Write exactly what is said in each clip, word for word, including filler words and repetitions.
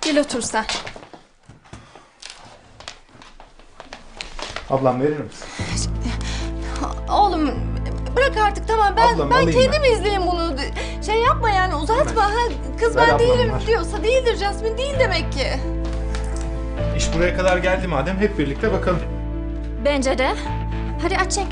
Gel otur sen. Ablam verir misin? Oğlum bırak artık tamam ben Ablam, ben alayım kendim ben. izleyeyim bunu. Şey yapma yani uzatma. Ha, kız Ver ben ablam, değilim ver. diyorsa değildir Jasmine değil demek ki. İş buraya kadar geldi madem hep birlikte bakalım. Bence de. Hadi aç çek.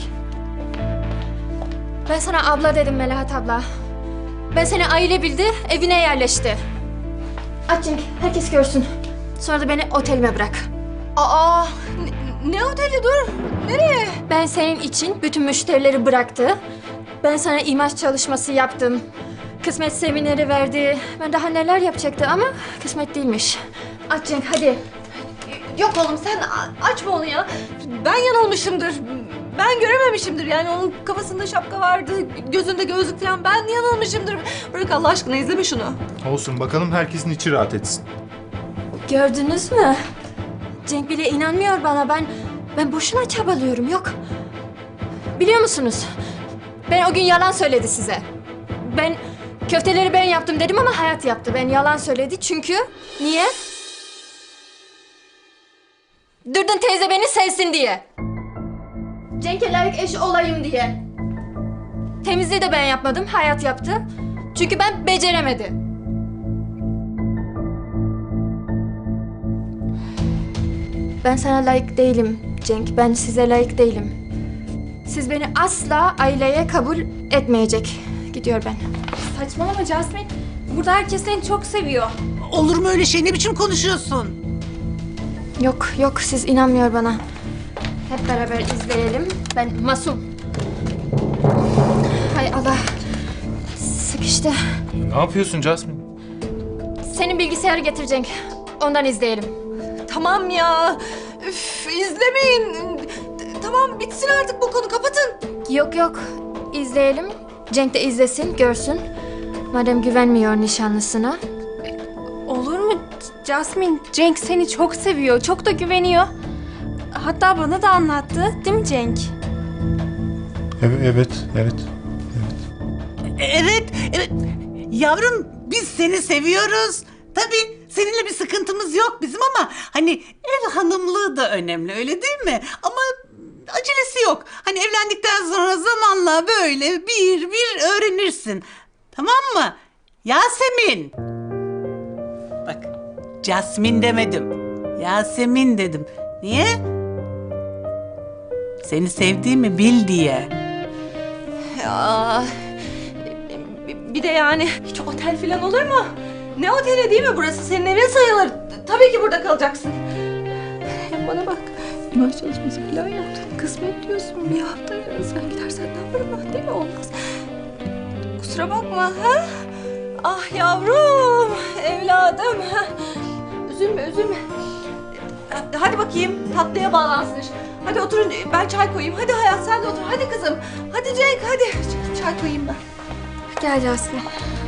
Ben sana abla dedim Melahat abla. Ben seni aile bildi, evine yerleşti. Aç çek, herkes görsün. Sonra da beni otelime bırak. Aa ne, ne oteli dur. Nereye? Ben senin için bütün müşterileri bıraktı. Ben sana imaj çalışması yaptım. Kısmet semineri verdi. Ben daha neler yapacaktı ama kısmet değilmiş. Aç Cenk hadi. Yok oğlum sen a- açma onu ya. Ben yanılmışımdır. Ben görememişimdir yani onun kafasında şapka vardı, gözünde gözlük falan. Ben yanılmışımdır. Bırak Allah aşkına izleme şunu. Olsun bakalım herkesin içi rahat etsin. Gördünüz mü? Cenk bile inanmıyor bana. Ben ben boşuna çabalıyorum. Yok. Biliyor musunuz? Ben o gün yalan söyledi size. Ben köfteleri ben yaptım dedim ama Hayat yaptı. Ben yalan söyledi çünkü niye? Durdun teyze beni sevsin diye. Cenk'e layık eş olayım diye. Temizliği de ben yapmadım. Hayat yaptı. Çünkü ben beceremedim. Ben sana layık değilim Cenk. Ben size layık değilim. Siz beni asla aileye kabul etmeyecek. Gidiyor ben. Saçmalama Jasmine. Burada herkes seni çok seviyor. Olur mu öyle şey? Ne biçim konuşuyorsun? Yok yok siz inanmıyor bana. Hep beraber izleyelim. Ben masum. Hay Allah. Sıkıştı. Ne yapıyorsun Jasmine? Senin bilgisayarı getir Cenk. Ondan izleyelim. Tamam ya. Üf, izlemeyin. Tamam bitsin artık bu konu kapatın. Yok yok. İzleyelim. Cenk de izlesin, görsün. Madem güvenmiyor nişanlısına. Olur mu Jasmine? Cenk seni çok seviyor, çok da güveniyor. Hatta bana da anlattı, değil mi Cenk? Evet, evet, evet. Evet, evet. Yavrum biz seni seviyoruz. Tabii seninle bir sıkıntımız yok bizim ama hani ev hanımlığı da önemli öyle değil mi? Ama acelesi yok. Hani evlendikten sonra zamanla böyle bir bir öğrenirsin. Tamam mı? Yasemin. Bak Jasmine demedim. Yasemin dedim. Niye? Seni sevdiğimi bil diye. Ya bir de yani hiç otel falan olur mu? Ne oteli değil mi burası? Senin evin sayılır. Tabii ki burada kalacaksın. Hem bana bak. İmaj çalışması falan yaptın. Kısmet diyorsun. Bir hafta yarın sen gidersen ne yaparım ben değil mi? Olmaz. Kusura bakma. Ha? Ah yavrum. Evladım. Ha? Üzülme üzülme. Hadi bakayım tatlıya bağlansın iş. Hadi oturun ben çay koyayım. Hadi Hayat sen de otur. Hadi kızım. Hadi Cenk hadi. Çay koyayım ben. Gel Jasmine.